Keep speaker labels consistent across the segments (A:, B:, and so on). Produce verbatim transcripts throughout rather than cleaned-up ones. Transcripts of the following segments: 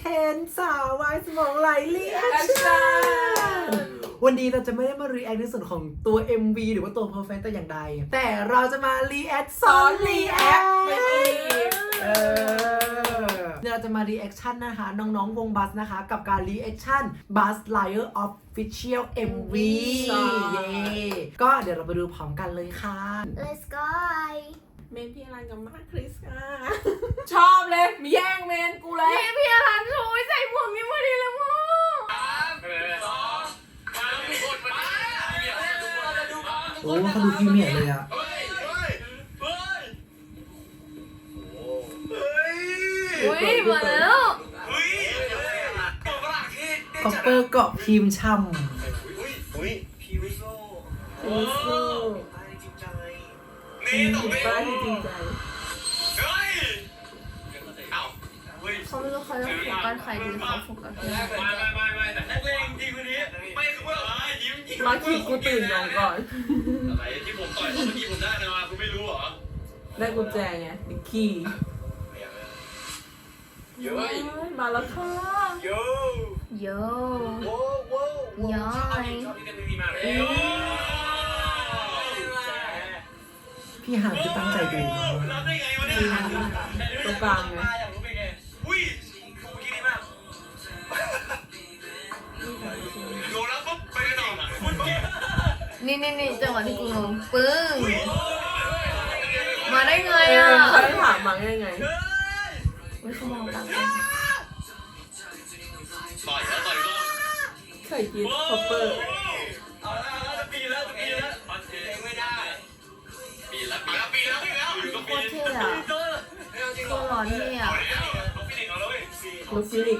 A: นสาววายสมองไหลรีแอคชั่นวันนี้เราจะไม่ได้มารีแอคในส่วนของตัว เอ็ม วี หรือว่าตัว Perfect แต่อย่างใดแต่เราจะมารีแอคซ้อนรีแอคไม่อีกเออเราจะมารีแอคชั่นนะคะน้องๆวงบัสนะคะกับการรีแอคชั่น Buzz Lightyear Official เอ็ม วี เย้ก็เดี๋ยวเราไปดูพร้อมกันเลยค่ะ
B: Let's go
C: เมนพี่อลันกับมาร์คคริสค่ะชอบเลยมีแย่งเมนกูเลย
B: พี่พี่อลันช่วยใส่หมวกนี้มาดีแล้วมั้ง
A: โอ้เขาดูพรีเมียร์เลยอะ
B: อุ้ยมาแล้ว
A: คอปเปอร์เกาะพิมพ์ช่ำ
C: โอ้โหจริงป้าที่จริงใจ
B: เขาไม่รู้เขาจะโฟกัสใครดีเขาโฟกัสพี่
C: มาขี่กูตื่นนอนก่อน
D: อะไรที่ผมต่อยเมื่อกี้ผมได้นะมาคุณไม่รู้เหรอ
C: ได้กุญแจไงดิขี่
D: เยอะ
C: มาแล้วค่ะ
D: เยอะ
B: โย
D: โว้โว้
B: ย้อย
D: ชอบที่กันมีมาเลย
A: พี่หางคือตั้งใจดูมาก
D: รับได้ไงวะเนี่ย
C: ตรงกลางไง
D: อยากรู้เป็นไงอุ้ยกูคิดดีมากโดนแล้วปุ๊บไปกันต่อคุณเก่ง
B: นี่นี่นี่จังหวะที่กูงงปึ้งมาได้ไง
C: เอ
B: อ่ะ
C: อเขาได้ถามมายังไง
B: ไม่เขามองตาม
D: ต่อยแล้วต่อยก็
C: ใส่กีคอปเปอร์
D: เอาละจะปีแล้วจะปีแล้วมันเองไม่ได้ปีแล้วปีแล้วปีแล้วปีแล้วอยู่ก็
B: โค
D: ปี
B: ตรเท่อะตัวหล่อเท่อะ
D: เอาปีหนึ่งเอาแล้วเว้ย
C: ลูกฟินิก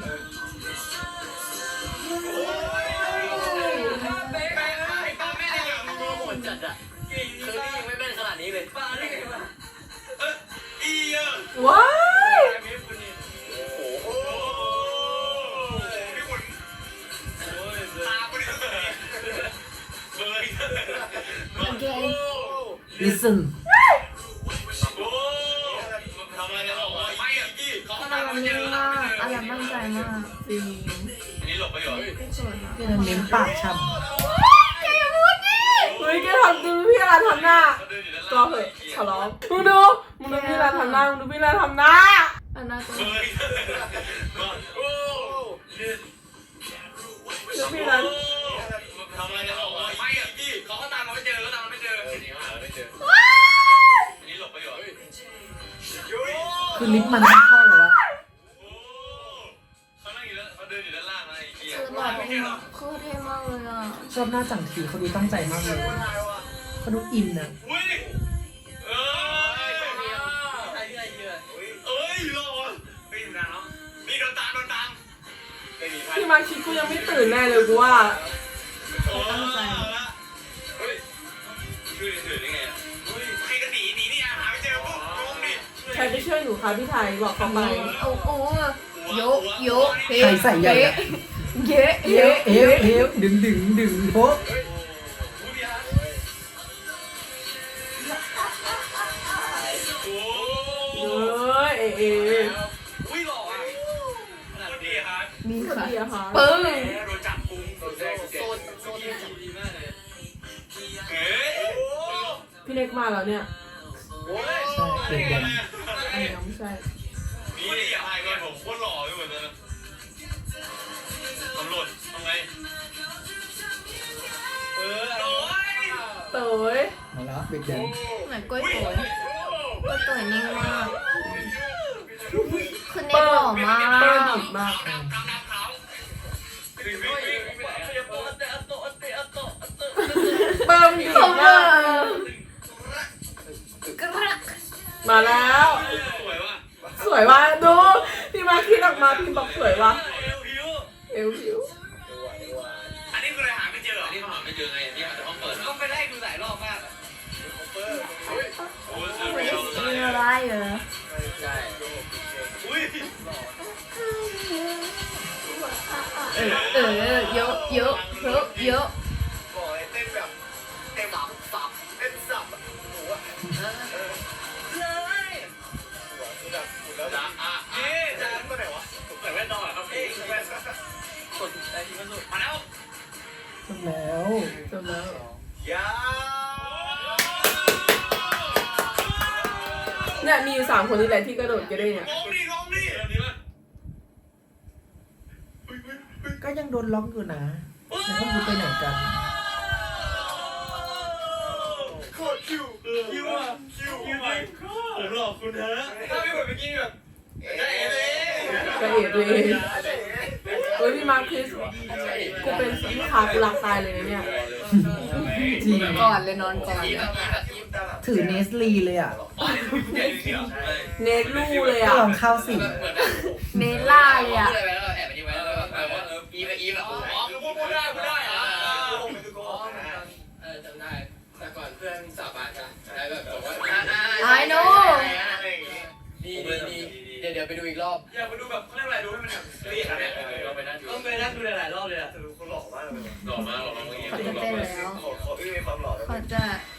D: จัดอ่ะคือนี่ยังไม่เป็นขนาดนี้เลยป้าได้ไงวะเอออีอ่ะ
C: ว้าย
D: โอ้โหพี่คุณตาคุณเบยเบย
B: Again
A: listen
D: โอ้ทำอะไรกันหรอไม่อ่ะพี่เขา
B: อลันมันนิ่งมากอลันมั่นใจมาก
C: จริง
D: อันนี้หลบไปเหรอ
B: ไม่สวยนะ
A: พี่นันเน้นปากช่ำ
C: เฮ้ยแกทำดูพี่อลันทำหน้าก็เหอะขอร้องมึงดูมึงดูพี่อลันทำหน้ามึงดูพี่อลันทำหน้า
B: อันน่าตัว
D: เบยโอ้
C: ดูพี่อลัน
D: ทำอะไรกันหรอไม่อ่ะพี่เขาก็ตามเราไม่เจอเขาตามเราไม่เจออันนี้หาไม่เจออันนี้หลบไปเหรอ
A: คือลิฟต์มันไม่เข้าเลยวะ
D: เขานั่งอยู่แล้วเขาเดินอยู่ด้านล่างนะไอ้เหี้ย
B: คือหล่อเท่มากคือเท่มากเลยอ่ะ
A: ชอบหน้าจังทีเขาดูตั้งใจมากเลยเขาดูอินอะ
D: อุ้ยเอ้ยใครที่ไหนเยอะเอ้ยรอวะไม่อยู่นานเนาะนี่โดนตามโดนตามไม่มีใคร
C: พี่มาคิดกูยังไม่ตื่นแน่เลยกูว่า
D: โอ้เฮ้ยช่วยถือได้ไงอ่ะใครก็หนีหนีนี่หาไม่เจอปุ๊บงงดิ
C: ใครไปช่วยหนูคะพี่ไทยบอกเขาไป
B: โอ้โหโยโยเฮ้
A: ใครใส่ใหญ่อะ
B: เยอะ
A: เอ
B: เยว อะ
A: เอวเอวดึงดึงดึงโป๊ะ
D: ผู้พิพากษาโอ้
C: เฮ้ยเอเอ
D: อุ้ยหล่ออ่ะขนาดดีครับ
B: นี่
C: สวัส
B: ค่ะ
C: ดีอะค่ะ
B: ปึ้ง
D: โดนจับกุมโดนแจ้งโซนโซนดีมากเลยเฮ้ย
C: พี่เล็กมาแล้วเนี่ย
D: โอ้ย
A: ใช่เด็กแดง
C: อันนี้ไม่ใช่
D: นี่อย่าพายกันผมโคตรหล่อเลยเหมือนกันตำรวจทำไงเออโอ้ย
C: เต๋ย
A: มาแล้วเด็กแดง
B: เหมือนกล้วยโตยกล้วยโตยนิ่งมากคือเน็ต
C: เปิ้
B: หล่อ
C: ล
B: มาก
C: เปิ้ลดิบมาก
D: กำกำน้ำขาววิ่งวิ่งวิ่งวิ่งเตะโต๊ะเตะโต๊ะเตะโต๊ะ
C: เปิ้ลดิบ
B: เขาเบ
C: มา
B: อก ร์กระ
C: มาแล้ว
D: สวยว่ะ
C: สวยว่ะดูพี่มาคิดออกมาพี่บอกสวยว่ะ
D: เอวผิว
C: เอวผิว
D: อันนี้คืออะไรหาไม่เจอเหรอที่เขาหาไม่เจอไงที่หาแต่ห้องเปิดก็ไปได้ดูหลายรอบมากอ่ะโอ้ยโอ้ย
B: ไม่ได้ซีอะไรเหรอ
D: ใช่อุ้ย
B: เออเออเยอะเยอะเยอะเยอะ
D: บอกเลยเต้นแบบเต้นสับสับเต้นสับหนูอ่ะเลยหัวคือแบบแล้วจ้าอ่ะเอ๊ะจ้าตัวไหนวะผมใส่แว่นดอกเหรอครับพี่ยา
C: เนี่ยมีอยู่สามคนนี่แหละที่กระโดดกระเด้งอะ
D: ร้องดิร้องดิแบบนี้มั้ย
A: ก็ยังโดนล็อกอยู่นะแล้วก็คือไปไหนกัน
D: โคตรคิวคิวอ่ะคิวคิวไปผมหลอกคุณฮะถ้าไม่เหมือนเมื่อกี้แบบได้เอ๋เลย
C: กระเอ็ดเลยเฮ้ยพี่มาร์คคริสกูเป็นลูกค้ากูรักตายเลยนะเนี่ย
A: จริง
B: ก่อนเลยนอนก่อนเลย
A: ถือเนสลีเลยอ่ะ
C: เนทลู่เลย
A: ก็
C: อ่ะ
A: ลองเข้าสิ
B: เนล่าเลยอ่ะ
D: พูดอะไรไปแล้วแอบไปนี่ไว้แล้วแบบว่าเอออีแบบอีแบบอ๋อคือพูดพูดได้พูดได้อ่ะเออจำได้แต่ก่อนเพื่อนสาบานกันแล้วแบบบอกว่า
B: I know
D: ดีดีเดี๋ยวเดี๋ยวไปดูอีกรอบอยากไปดูแบบเขาเรียกอะไรดูให้มันแบบเรียกเนี่ยเราไปนั่งดูต้องไปนั่งดูหลายรอบเลยอ่ะแต่ดูเขาหล่อมากเลยหล่อมากหล่อมากเมื่อกี้
B: เขาจะเต้นแล้ว
D: ขอขอพี่มีความหล่อ
B: เขาจะ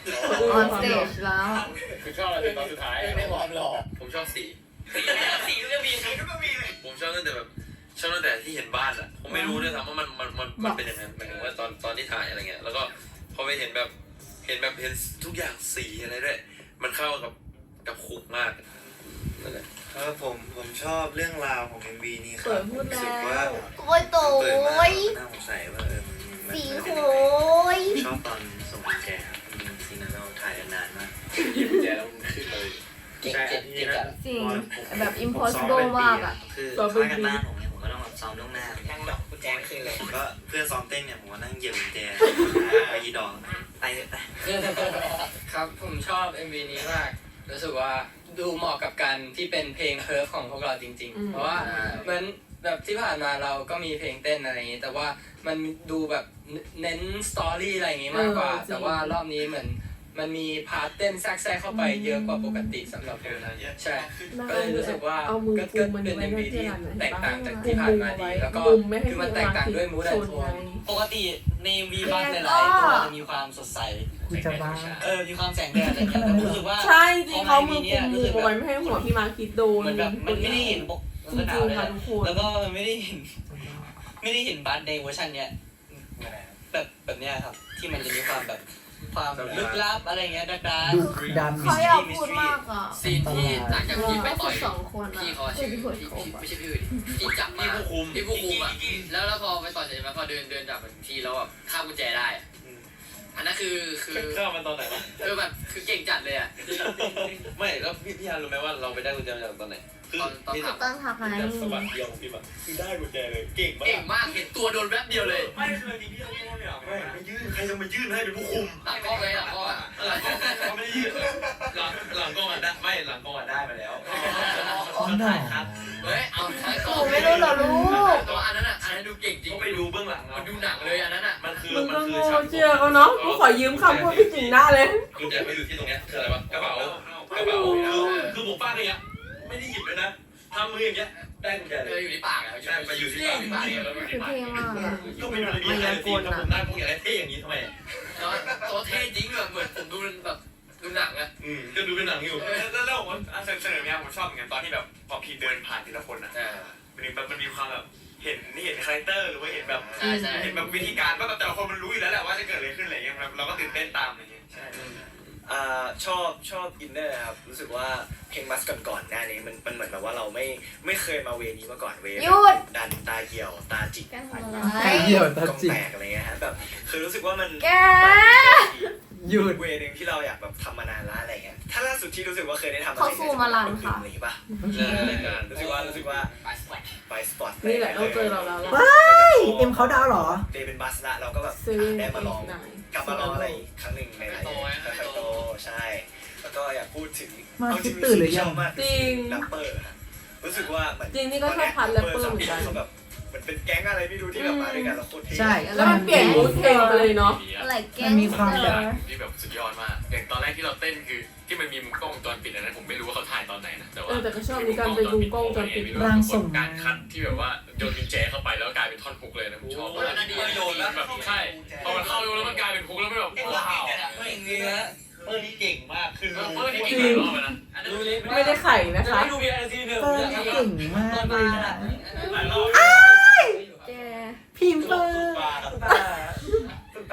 B: on stage แล้ว
D: คือชอบอะไรตอนสุดท้ายไม่ความหล่อผมชอบสีสีก็จะมีสีก็มีเลยผมชอบตั้งแต่แบบชอบตั้งแต่ที่เห็นบ้านอ่ะผมไม่รู้ด้วยซ้ำว่ามันมันมันมันเป็นยังไงหมายถึงว่าตอนตอนที่ถ่ายอะไรเงี้ยแล้วก็พอไปเห็นแบบเห็นแบบเห็นทุกอย่างสีอะไรด้วยมันเข้ากับกับคุกมากนั่นแหละ
E: ครับผมผมชอบเรื่องราวของ เอ็ม วี นี้ค
C: เปิ
E: รั
C: ด
E: บ
C: พูด
E: รู้สึก
C: แล้
E: ว่าว
B: โอ้ยโต
E: เปิดมาย น่าสงสัยว่าเออมัน
B: สี
E: มัน
B: โห
E: เป็นยังไง
B: ย
E: ชอบตอนส่งกุญแจครับอืมซีนนั้นเราถ่ายกันนานมาก
D: หยิบแจแล้วขึ้นเลย
E: ใช่อันที่นั้น
B: จริง
E: ผม
B: แบบ
E: ผม
B: impossible
E: ซ้อเป็นปี
B: มากอ่ะ
E: คือค่ายกันบ้านผมเนี่ยผมก็ต้องแบบซ้อมล่วงหน้า
D: นั่งดอกกุญแจขึ้นเลย
E: ผมก็เพื่อนซ้อมเต้นเนี่ยผมก็นั่งเหยียบกุญแจไปยีดองไปเลยไป
F: ครับผมชอบ เอ็ม วี นี้มากรู้สึกว่าดูเหมาะกับการที่เป็นเพลงเพิร์ฟของพวกเราจริง
C: อืม
F: ๆ เพราะว่าเหมือนแบบที่ผ่านมาเราก็มีเพลงเต้นอะไรอย่างนี้ แต่ว่ามันดูแบบเน้นสตอรี่อะไรอย่างนี้มากกว่า แต่ว่ารอบนี้เหมือนมันมีพาร์ทเต้นแทรกแทรกเข้าไปเยอะกว่าปกติสำหรับผมใช่ ก็เลยรู้สึกว่า
C: เอามือ
F: ก็
C: กุ
F: ก็
C: มมัน
F: เป็น
C: ไว้
F: เอ็ม
C: ใน
F: วี
C: ที่
F: ที่
C: ร้านไหน
F: แตกต่างจาก
C: กุ
F: ที่
C: ม
F: ผ่าน
C: มือ
F: มา
C: เอา
F: ดี
C: ไว้
F: แล้วก็
C: กุมไม่ให้
F: คือมันแตกต่างด้วยมูดแอนโทน
G: ปกติในวีบัสหลายๆตัวจะมีความสดใส
A: กูจะบ้า
G: เออ มีความแสงแดดอะไรอย่างเงี้ยแต่รู้สึกว่า
C: ใช่จริงเขามือกุมมือเอาไว้ไม่ให้หัวพี่มาร์คคิดโดน
G: เหมือนแบบมันไม่ได้เห็นปก
C: จริง
G: หนาว
C: ๆ
G: เลย
C: ค่ะ
G: อะ
C: ทุกคน
G: แล้วก็มันไม่ได้เห็น ไม่ได้เห็นบัสในเวอร์ชันเนี้ยแบบแบบเนี้ยครับ ที่มันจะมีความแบบความลึกลับอะไรเงี้ยดักดา
A: ดุดัน
B: เขาอยากพูดมากอ่ะ
F: ซีนที่หลังจากที่ไป
B: ก็
F: ต่
B: คือ อย สองคนอ่ะ
F: พี่เขา
B: คือ
F: ชื่อ
B: พี่
F: พี่
B: คนโคบ
F: ไม่ใช่พี่อื่นที่จับมา
D: ผู้คุม
F: ที่ผู้คุมอ่ะแล้วแล้วพอไปต่อยเสร็จแล้วพอเดินเดินจับทีแล้วแบบข้ามกุญแจได้อะอันนั้นคือคือ
D: เข้ามาตอนไหนวะ
F: คือแบบคือเก่งจัดเลยอ่ะ
D: ไม่แล้วพี่พี่ฮารู้ไหมว่าเราไปได้กุญแจมาจากตอนไหนคือ
F: ตอนตอน
D: นี่
F: ขับ
B: ต้นทักไง
D: แบบสะบัดเดียวของพี่แบบคือได้กุญแจเลยเก่งมาก
F: เก่งมากเห็นตัวโดนแป๊บเดียวเลย
D: ไม่คือจริงพี่เขาไม่ได้หรอกไม่ไม่ยื่นใครจะมายื่นให้เป็นผู้คุม
F: หลังกล้องเลยหลังกล้องอ่ะ
D: หลังกล้องเขาไม่ได้ยื่นหลังหลังกล้องอ่ะได้ไม่หลังกล้องอ่ะได้มาแล้ว
A: อ๋อหน่อ
F: เฮ้ยเอาท้ายก
B: ห
F: ล้อ
B: นู
F: ง
B: ไม่รู้เหรอลูก
F: ตัวอันนั้นอ่ะอันนั้นดูเก่งจริง
D: เขาไปดูเบื้องหลัง
F: มันดูหนังเลยอันนั้นอ่ะ
D: มันคือ
C: มึง
D: มั
C: ก็
D: นคื
C: โง่
D: อฉาก
C: เชื่อเขาเนาะกูขอยืมคำพูดพี่จิ๋งหน้าเลย
D: กุญแจไปอยู่ที่ตรงเนี้ยคืออะไรวะกระเป๋ากระเป๋าคือคือผมฟาดอย่างเงี้ยไม่ได้หยิบเลยนะทำมืออย่างเงี้ยได้กุญแจ
F: เอ
D: เล
F: อย อยู่ที่ปากอ่ะ
D: ใช่ไปอยู่ที่
F: ที่ปากเนี่ยแล้วอยู่
B: คือ
F: ที่ปาก
B: เท่มากอ่ะ
D: ก็ไม่ได้มีอะไรสิถ้าผมได้พวกอย่างไรเท่อย่างนี้ทำไม
F: แล้วตัวเท่จริงแบบเหมือนผมดูแบบดูหนังอ่ะ
D: อืมก็ดูเป็นหนังอยู่
H: แล้วแล้วผมว่าเสนอเนี่ยผมชอบเหมือนกันตอนที่แบบพอพีเดินผ่านทีละคนอ่ะ
F: อ่า
H: มันมีมันมีความแบบเห็นเห็นคาแรคเตอร์หรือว่าเห็นแบบ
F: ใช่ใช่
H: เห็นแบบวิธีการว่าแบบแต่ละคนมันรู้อยู่แล้วแหละว่าจะเกิดอะไรขึ้นอะไรเงี้ยเราก็ตื่นเต้นตามอะไรเงี้ยใช่
I: อ่าชอบชอบอินเนอร์ครับรู้สึกว่าเพลงมัสก่อนๆหน้านี้มันมันเหมือนแบบว่าเราไม่ไม่เคยมาเวนี้มาก่อนเว
B: หยุด
I: ดันตาเหี่ยวตาจิก
B: แกทำอะไร
A: ไอ้เหี้ยวตาก
I: ล้อง
A: จิก
I: แตกอะไรเงี้ยฮะแบบคือรู้สึกว่ามัน
B: แก
A: หยุด
I: เวนึงที่เราอยากแบบทำมานานแล้วอะไรเงี้ยถ้าล่าสุดที่รู้สึกว่าเคยได้ทำ
B: เขาสู้มาลันค่ะ
I: อะไรอย่างงี้ป่ะ
D: เออรายการ
I: รู้สึกว่ารู้สึกว่า
F: ไปสปอร์ต
I: ไปสปอร์ต
C: นี่แหละต้องเจอเราแล้วล่ะ
A: เอ็มเขาดาวเหรอ
I: เดย์เป็นบัสละเราก็แบบ
C: เซเว่น
I: ได้มาลอง
C: ไหน
I: กลับมาลองอะไรอีกครั้งหนึ่งในหลายๆค่อยๆโตใช่ แล้วก็อยากพูดถึง
A: มา
I: เอาจริง
A: ตื่นหรือยัง
I: ชอบมาก
C: จริง
I: แรปเปอร์ฮะรู้สึกว่าเหมือน
C: จริงนี่ก็ชอบพันแรปเปอร์เหมือนกัน
I: เขาแบบเหมือนเป็นแก๊งอะไรไม่รู้ที่แบบมาด้วยกันแล้วโคตรเท่
A: ใช่
C: แล้วมันเปลี่ยนมูดเพลงไปเลยเนาะ
B: อะไรแก
A: มันมีความแบบ
D: ที่แบบสุดยอดมากอย่างตอนแรกที่เราเต้นคือที่มันมีมุมกล้องวงจรปิดอันนั้นผมไม่รู้ว่าเขาถ่ายตอนไหนนะแต่ว่า
C: เออแต่ก็ชอบมีการไปดูกล้องวงจรปิด
A: ร่างทรง
D: การคัดที่แบบว่าโยนกุญแจเข้าไปแล้วกลายเป็นท่อนฮุกเลยนะผมชอบมากโยนแล้วแบบใช่พอมันเข้าแล้วมันกลายเป็นฮุกแล้วมันแบบว้าว
G: เก่งเลยนะเออนี่เก่งมากคือ
D: เอ
G: รู้
D: อนี่เก่งหลายรอบเลยนะ
G: รู้เลย
C: ไม่ได้ไข่นะคะ
G: ไม่ดูมีอะไรที่เดิม
A: เปิ้ลนี่เก่งมากเลยนะ
B: แก
A: พิมพ์เปิ้ล
G: ตาตาตา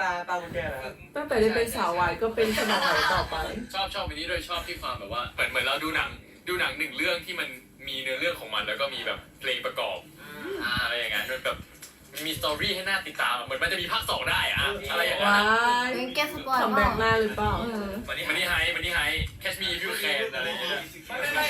E: ตาตากุญแจนะครับ
C: ตั้งแต่ได้เป็นสาววายก็เป็นสาววายต่อไป
J: ชอบชอบอันนี้ด้วยชอบที่ความแบบว่าเหมือนเหมือนเราดูหนังดูหนังหนึ่งเรื่องที่มันมีเนื้อเรื่องของมันแล้วก็มีแบบเพลงประกอบอะไรอย่างเงี้ยมันแบบมีสตอรี่ให้น่าติดตามเหมือนมันจะมีภาคสองได้อะอะไรอย่างเงี้ย
C: ว้าย
B: เป็นแกสปอยล์
C: ทำ
B: เป
C: แบ
B: ล่า
C: บหน้าหรือเปล่า
B: เออ
J: มันนี่มันนี่ไฮมันนี่ไฮแคชมีฟิวแคนอะไรอย่างเงี้ย
F: ไม่ไม่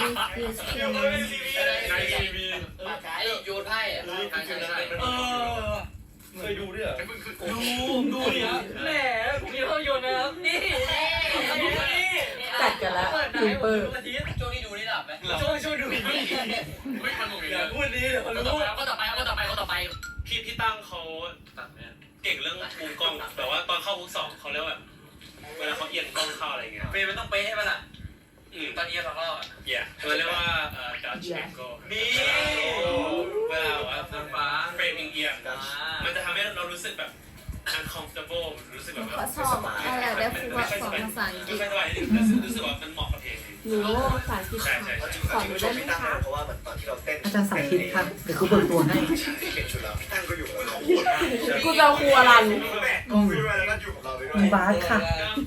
J: ในทีวี
F: ไอโยนไพ่อะใช่ใช่ใช่
E: เออเคยดูด้วยเหรอ
J: ดู
E: ดูดิครับแหมผมมีภาพยนตร์นะครับนี่
C: จัดกันแล้วพิมเปอร์
F: ช่วงนี้ดูนี่หลับไหม
E: ช่วยช่วยดูดิ
J: ไม่มันหนุก
E: อ
J: เล
E: ย่ายพูดนี้เดี๋ยวเขารู้
J: ก็ต่อไปก็ต่อไปก็ต่อไป
H: พี่พี่ตั้งเขาเก่งเรื่องมุมกล้องแต่ว่าตอนเข้าฮุกสองเขาเรียกว่าเวลาเขาเอียงกล้องเข้าอะไรเงี้ย
D: เฟรมมันต้องเป๊ะให้มันอ่ะ
H: อืม
D: ตอนนี้สองรอบอ่ะ
H: เหี้ยเขาเรียกว่าเอ่อดัชเชนโก
D: นี่
H: เวลาว่าฟ้าเฟรมเอียงมันจะทำให้เรารู้สึกแบบ uncomfortable รู้สึกแบบ
B: เขาชอบอ่ะอยากได้ครูมาสอนภาษาอังกฤ
H: ไม่
B: ษ
H: สบายนิดนึงรู้สึกรู้สึกว่ามันเหมาะกับเพลง
C: หนูว่าภาษาอังกฤษ
H: ใช่ใช่
C: สอนหนูได้ไหมคะ
I: เพราะว่าเหมือนตอนที่เราเต้น
A: อาจารย์สาธิตครับเดี๋ยวครูเบิกตัวให้
I: ที่เป็นชุดเราพี่ตั้งก็อยู่กับเรา
C: กูจะเอาครูอรัน
I: แม่ก็คุยมาแล้วก็อยู่กับเราไปด้วย
A: มีบาสค่ะ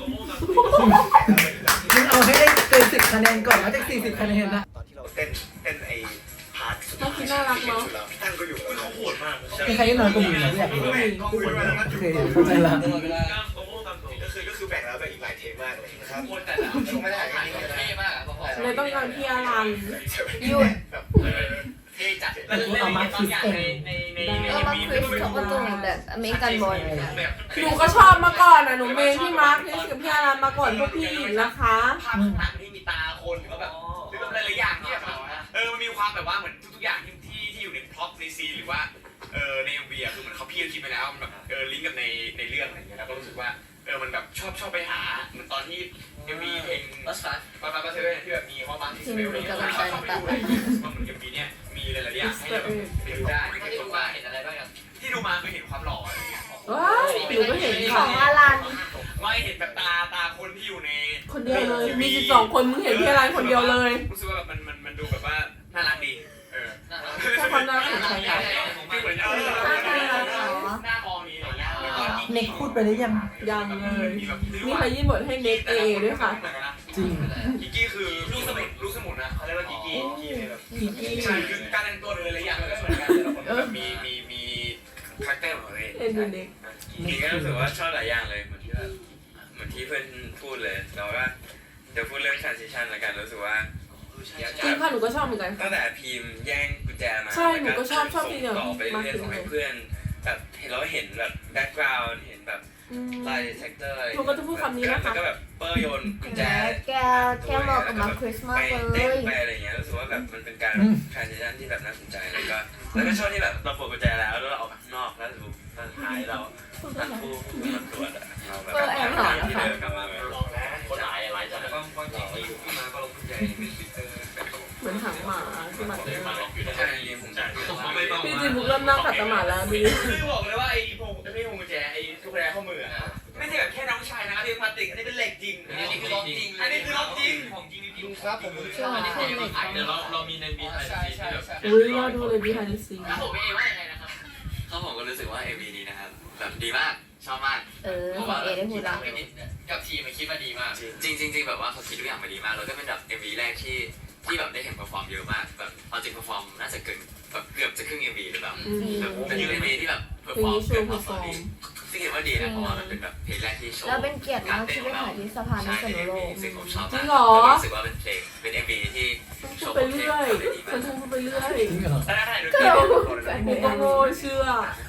A: มึงเอาให้ได้เกินสิบคะแนนก่อนแล้วจากสี่สิบคะแนนนะ
I: ตอนที่เราเต้นเต้นไอ้พาร์ทสุด
C: น่าคิดน่ารักเนาะ
I: ชุดเราพี่ตั้งก็อยู่กับเรา
H: โหดมาก
A: มีใครที่น้อยกว่ามึงไหมอยากรู้
I: ก็คุยมาแล้วก็
A: โอ
I: อยู่
A: เคเข้าใจละ
F: ตลอดเวลา
I: ก็คือก็คือแบ่งแล้วแบ่งอีกหลายเทปมากเลยนะครับ
H: โหดแต่ละ
I: ไม่ได้
F: ถ่ายเท่มากอะพอๆ
C: เลยต้องการพี่อรัน
B: หยุด
H: เท่จัด
A: แต่กูเอามาคิดเอง
H: ในใน
B: เออมาคริสเขาก็ตรงแบบอเมริกันบอย
C: หนูก็ชอบมาก่อนอ่ะหนูเมนพี่มาร์คที่กับพี่อรันมาก่อนพวกพี่นะคะ
H: ภาพข้างหลังที่มีตาคนหรือว่าแบบหรือแบบหลายๆอย่างที่แบบเออมันมีความแบบว่าเหมือนทุกๆอย่างที่ที่ที่อยู่ในพล็อตในซีนหรือว่าเออในเอ็มวีอะคือเหมือนเขาพี่คิดไปแล้วมันแบบเออลิงก์กับในในเรื่องอะไรเงี้ยแล้วก็รู้สึกว่าเออมันแบบชอบชอบไปหาเหมือนตอนที่เอ็มวีเพลง
F: บัสฟัส
H: มามาเธอที่แบบมีข้อความที่สเปลอะไรเงี้ยชอบชอบไปดูเลยว่าเหมือนเอ็มวีเนี่ยมีหลายๆอย่างให้เราแบบไปดูได้
F: ที่
H: ที่
F: ดู
H: ดู
F: มา
H: มา
F: เห็นอะไรบ้างครับ
H: ที่ดูมาคือเห็นความหล่ออะไรเงี้ย
C: ว้ายหนูก็เห็น
B: ข
C: ค่ะ
B: องอารัน
H: ไม่เห็นแบบตาตาคนที่อยู่ใน
C: คนเดียวเลย มีสิบสองคนมึงเห็นพี่อรันคนเดียวเลย
H: รู้สึกว่าแบบมันมันมันดูแบบว่าน่ารักดีเออ
C: แค่ความน่าสนใจอะ
H: คือเหมือนเออหน้ามองนี้อะไรเงี้ยแล้วก็
A: เน็กพูดไปได้ยัง
C: ยังเลย มีใครยื่นบทให้เน็กเอด้วยค่ะ
A: จริง
H: กิกกี้คือลูกสมุนลูกสมุนนะเขาเรียกว่ากิกกี้
A: พี่กี้
H: ใช่คือการแต่งตัวหรืออะไรอย่างมันก็เหมือนกันแต่ละคนแบบมีมีมีคาแรคเตอร์ของตัวเอง
C: เอ็นดูเน็ก
D: จริงๆก็รู้สึกว่าชอบหลายอย่างเลยเหมือนที่ว่าเหมือนที่เพื่อนพูดเลยแต่ว่าเดี๋ยวพูดเรื่อง transition ละกันรู้สึกว่า
C: จริงค่ะหนูก็ชอบเหมือนกัน
D: ตั้งแต่พิมพ์แย่งกุญแจมา
C: ใช่หนูก็ชอบชอบที่เดียว
D: ต่อไปเรื่อยๆส่งให้เพื่อนแบบเห็นเราเห็นแบบแบ็กกราวด์เห็นแบบ
C: อืม
D: ลายดีเทคเตอร์อะไร
C: หนูก็จะพูดคำนี้นะคะ
D: แล้วก็แบบเปอร์โยนกุญแจ
B: แกแกบอกกับมาคริสมาก
D: ไป
B: เล
D: เต้น
B: ย
D: ไปอะไรอย่างเงี้ยรู้สึกว่าแบบมันเป็นการ transition ที่แบบน่าสนใจแล้วก็แล้วก็ชอบที่แบบเราปลดกุญแจแล้วแล้วเราออกข้างนอกแล้วดูตอนท้ายเราทั้งคู่มันตรวจอะเราแบบ
B: เออแอบหอนะคะ
D: เดินกลับมาแบบ
H: คนหลายหลายจัง
D: แล้วก็ความจริงที่อยู่ที่มาก็ลงกุญแจเป็นฟิลเตอร์แบบ
C: เหมือนหางหมาที่มัน
D: ใช่จริงๆผมจ่ายไม่ต้อง
C: พี่จิมบุกเริ่มนั่งขัดสมาธิแล้วดี
H: คือบอกเลยว่าไอ้พวงไม่ใช่พวงกุญแจไอ้ทุกแรข้อมืออะไม่ใช่แบบแค่น้องชายนะที่พลาสติกอันนี้เป็นเหล็กจริง
F: อันนี้คือล็อกจริง
H: อันนี้คือล็อกจริงของจริงจริงครับผม
B: เชื่อมันคนเด็ก
J: เดี๋ยวเราเรามีในบีไอ
F: ใช่
J: ซี
F: ใช่
J: ที่แบบ
F: ใช่
C: อุ้ยรอดูเลยบีไฮเดซี
F: แล้วผมเองว่ายังไงนะครับ
E: เขาผมก็รู้สึกว่า เอ็ม วี นี้นะครับแบบดีมากชอบมาก
B: เออของเอได้พูดละ
F: กับทีมมันคิดว่าดีมาก
E: จริงจริงจริงแบบว่าเขาคิดทุกอย่างมาดีมากแล้วก็เป็นแบบ เอ็ม วี แรกที่ที่แบบได้เห็นเปอร์ฟอร์มเยอะมากแบบเอาจริงเปอร์ฟอร์มน่าจะเกินแบบเกือบจะครึ่ง เอ็ม วี หรือเปล่า
C: อืม
E: แบบเป็น เอ็ม วี ที่แบบเปอร์
C: เพล
E: ฟ
C: ง
E: อร์ม
C: นี้ชู
E: เกิน
C: เพ
E: พ
C: อ
E: อ
C: ร์
E: ส
C: ฟ
E: อ
C: อ
E: ร์
C: ร์ม
E: ซึ่งเห็นว่าดีนะเพราะว่ามันเป็นแบบเพลงแรกที่โชว์
B: แล้วเป็นเกียรติมากที่ไปถ่ายที่สะพานนิสนุโลก
E: ซึ่งผมชอบ
C: จริ
E: มาก
C: งเหรอ
E: แล้วก็รู้สึกว่าเป็นเพลงเป็น เอ็ม วี ที่โช
C: พูด
E: ว์
C: ไป
E: เพลง
C: เรื่อย
E: ได้ดี
C: ค
E: มาน ก
C: พูดไปเรื่อย
A: จริงเหรอ
H: ถ้าได้ดู
B: ก็
H: ที่
B: เรา
C: กูก็โง่เชื่อ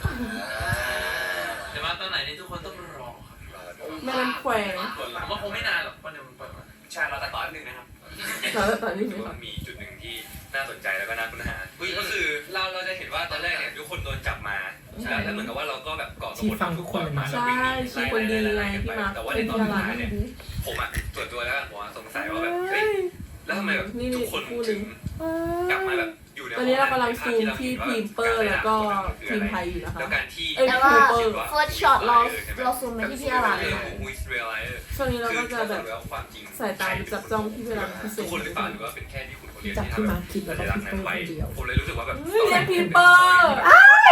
D: แต่ว่าตอนไหนนี่ทุกคนต้องรอ
C: แม่น้ำแควง
D: ผมว่าคงไม่นานหรอกวันเดียวมันเปิดมา
H: ใช่เราตัดต่อนิดนึงนะครับ
C: แล้วตอนนี้
D: รู้สึกว่ามันมีจุดหนึ่งที่น่าสนใจแล้วก็น่าค้นหาก็คือเราเราจะเห็นว่าตอนแรกเนี่ยทุกคนโดนจับมาแล้วแล้วเหมือนกับว่าเราก็แบบก่อกระบวนการทุกคนมา
C: ใช่ชีคนดีไงพี่มาร์ค
D: แต่ว่าใน
C: เป็น
D: ตอน
C: พี่อ
D: สุด
C: รัน
D: ท้ายเนี่ยผมอ่ะส่วนตัวแล้วผมสงสัยว่าแบบเฮ้ยแล้วทำไมแบบทุกคนถึงกลับมาแบบอยู่ใน
C: ตอนนี้เรากำลังซูมที่ทีมเปอร์แล้วก็ทีมไทยอยู่นะคะ
D: แล้วการที่
C: เอ้ย
B: แต่ว่า
C: ทีมเปอร์
B: เฟิร์สช็อตเราเราซูมไปที่พี่อารัน
C: ช่วงนี้เราก็จะแบบ
D: ความจริง
C: สายตาจับจ้องที่เวลาพิเศ
D: ทุก
C: ษ
D: คนหรือเปล่าหรือว่าเป็นแค่ที่คุณคนเดียว
A: จับ
D: ที่
A: ขึ้น
D: ทำ
A: มาคิดแล้วก็
D: สัญลัก
A: พิ
D: ษ
A: ม
D: ณ์
A: พ์
D: นั้น
A: เปอร์
D: ไว้
A: คนเดียว
D: ผมเลยรู้สึกว่าแบบ
C: เรียกทีมเปอร์อ้ายบี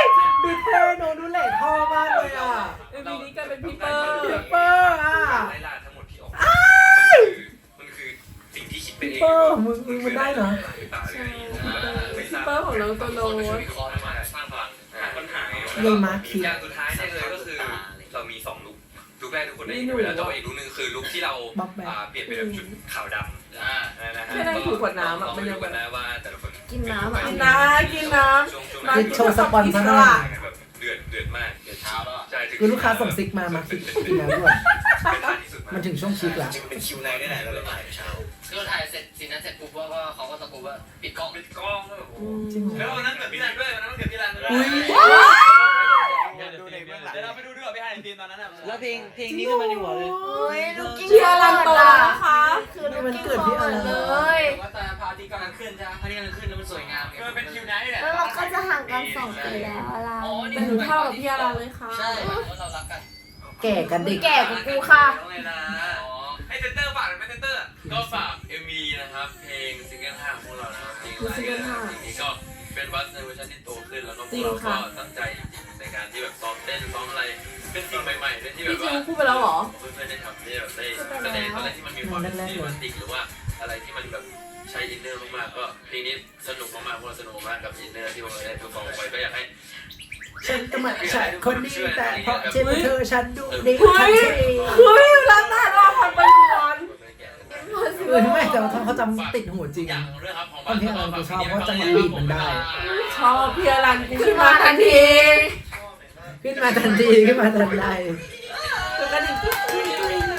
A: ยเท่โนดูเหล่ท่อมากเลยอ่ะ
C: เอ็มวีนี้กลายเป็นพี่เปอร์
A: พี่เปอร์อ่ะ
H: ไล่ล่าทั้งหมดที่ออกมันคือสิ่งที่คิดไป
A: พี่
H: เอง
A: เปอร์มึงมึงมันได้เหรอ
C: พี่เปอร์ของน้องโตโน้ต
H: วิเคราะห์มาสร้างพลังปัญหา
A: เยมาคิด
H: อย่างสุดท้ายเนี่ยเลยก็คือเรามีสองลุคลุคแรกทุกคนได้เห็นไปแล้วแต่ว่าอีกลุคนึงคือลุคที่เราเปลี่ยนเป็นแบบชุดขาวดำอ่านะฮะ
C: แค่ได้ถูกกว่าน้ำอ่ะมันยัง
H: กั
C: แบ
H: น
C: บ
H: นะว่าแต่ละคน
B: กินน้ำอ่ะ
C: กินน้ำกินน้ำ
A: คือโชว์สปอนเซอร์
H: แบบเดือดเดือดมากเดือดเช้าแล้วใช่
A: คือลูกค้าส่งซิกมามาคิดกินแล้วด้วยมันถึงช่วงชิคละ
I: จริงเป็นคิวไนท์ได้แหละเราเลยถ่ายเช้า
E: คือเราถ่ายเสร็จซีนนั้นเสร็จปุ๊บว่าก็เขาก็ตะโกนว่าปิดกล้อง
H: ปิดกล้องแล้ว
A: จริงเหร
H: แล้ว
A: อ
H: วันนั้นเกิดพี่รันด้วยวันนั้นเกิดพี่รันด้วย
A: อุ้ย
I: ดูในเบื้องหลัง
H: เดี๋ยวเราไปดูด้วยพี่รันในทีมตอนนั้นอ่ะ
G: แล้วเพลงเพลงนี้ขึ้นมาในหัวเลย
B: โอ้ยลูกกิ้ง
C: เชียร์รันโตนะคะ
B: คือลูกกิ้งเขินเลย
E: ว่าตอนพาร์ตี้กำลังขึ้นใช่ไหมพาร์ตี้กำลังขึ้นแล้วมันสวยงามไง
H: มันเป็นคิวไนท์แหละ
B: แล้วเราก็จะห่างกันสองปีแล้วล่ะ
E: อ๋อนี่
C: แต่หนูเท่ากับพี่อารันเลยค่ะ
E: ใช่ว่าเรารักกัน
A: แก่กันเด็ก
B: แก่กว่ากูค่ะ
H: แล้วไงนะไอเซนเตอร์ฝากหรือไม่เซนเตอร์
D: ก็ฝาก เอ็ม วี นะครับ เพลงซิงเกิลห้าของพวกเรานะครับเพลงไลน์นะครับเพลงนี้ก็เป็นบัสในเวอร์ชันที่โตขึ้นแล้วก็พวกเราก็ตั้งใจในการที่แบบซ้อมเต้นซ้อมอะไรเป็นสิ่งใหม่ๆเป็นที่แบ
C: พี่
D: บ
C: จิ
D: ว่า
C: วพูดไปแล้วเหรอ
D: เพื่อนๆได้ทำได้แบบได้แสดงอะไรที่มันมีความเป็นซีมันติกหรือว่าอะไรที่มันแบบใช้อินเนอร์มากๆก็เพลงนี้สนุกมากๆพวกเราสนุกมากกับอินเนอร์ที่พวกเราได้เพอร์ฟอร์มไปก็อยากให้
A: ฉันก็เหมือนฉันคนนี้แต่เพราะเช่นเธอฉันดูดี
C: เฮ้ยเฮ้ยรันน่ารอผ่านไปก่อน
A: เออไม่แต่ว่าเขาจำติดหัวจริง
D: อย่างเรื่องครับของ
A: ตอนที่เราชอบเพราะจังหวะบีบมันได้
C: ชอบพี่อารันกูขึ้นมาทันที
A: ขึ้นมาทันทีขึ้นมาทันใด
C: แล้วก็ดิ่งกิ๊กกิ๊กกิ๊ก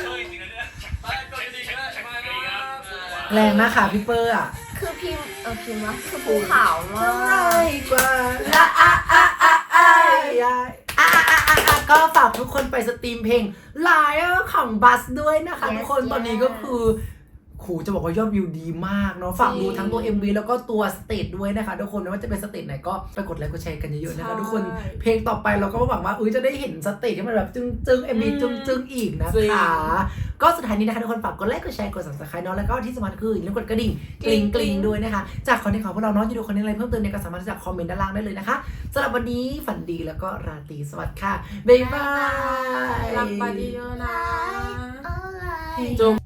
A: แรงมากค่ะพี่เปอร์อ่ะ
B: คือพิมพ์เออพิมพ์ว่าคือภูขาวมาก
A: กว่าละอะอะอะอะอะอะอะอะอะก็ฝากทุกคนไปสตรีมเพลงไลน์ของบัสด้วยนะคะทุกคนตอนนี้ก็คือโหจะบอกว่ายอดวิวดีมากเนาะฝากดูทั้งตัว เอ็ม วี แล้วก็ตัวสเตจด้วยนะคะทุกคนไม่ว่าจะเป็นสเตจไหนก็ไปกดไลค์กดแชร์กันเยอะๆนะคะทุกคนเพลงต่อไปเราก็หวังว่าอุ้ยจะได้เห็นสเตจที่มันแบบจึ้งๆ เอ็ม วี จึ้งๆอีกนะคะก็สุดท้ายนี้นะคะทุกคนฝากกดไลค์กดแชร์กด ซับสไครบ์ เนาะแล้วก็ที่สำคัญคืออย่าลืมกดกระดิ่งกริ๊งกริ๊งด้วยนะคะจากคอนเทนต์ของพวกเราเนาะที่ดูคอนเทนต์อะไรเพิ่มเติมเนี่ยก็สามารถที่จะคอมเมนต์ด้านล่างได้เลยนะคะสำหรับวันนี้ฝันดีแล้วก็ราตรีสวัสดิ์ค่ะบ๊ายบาย
C: รักไปเยอะๆนะ
B: อะไร
C: จม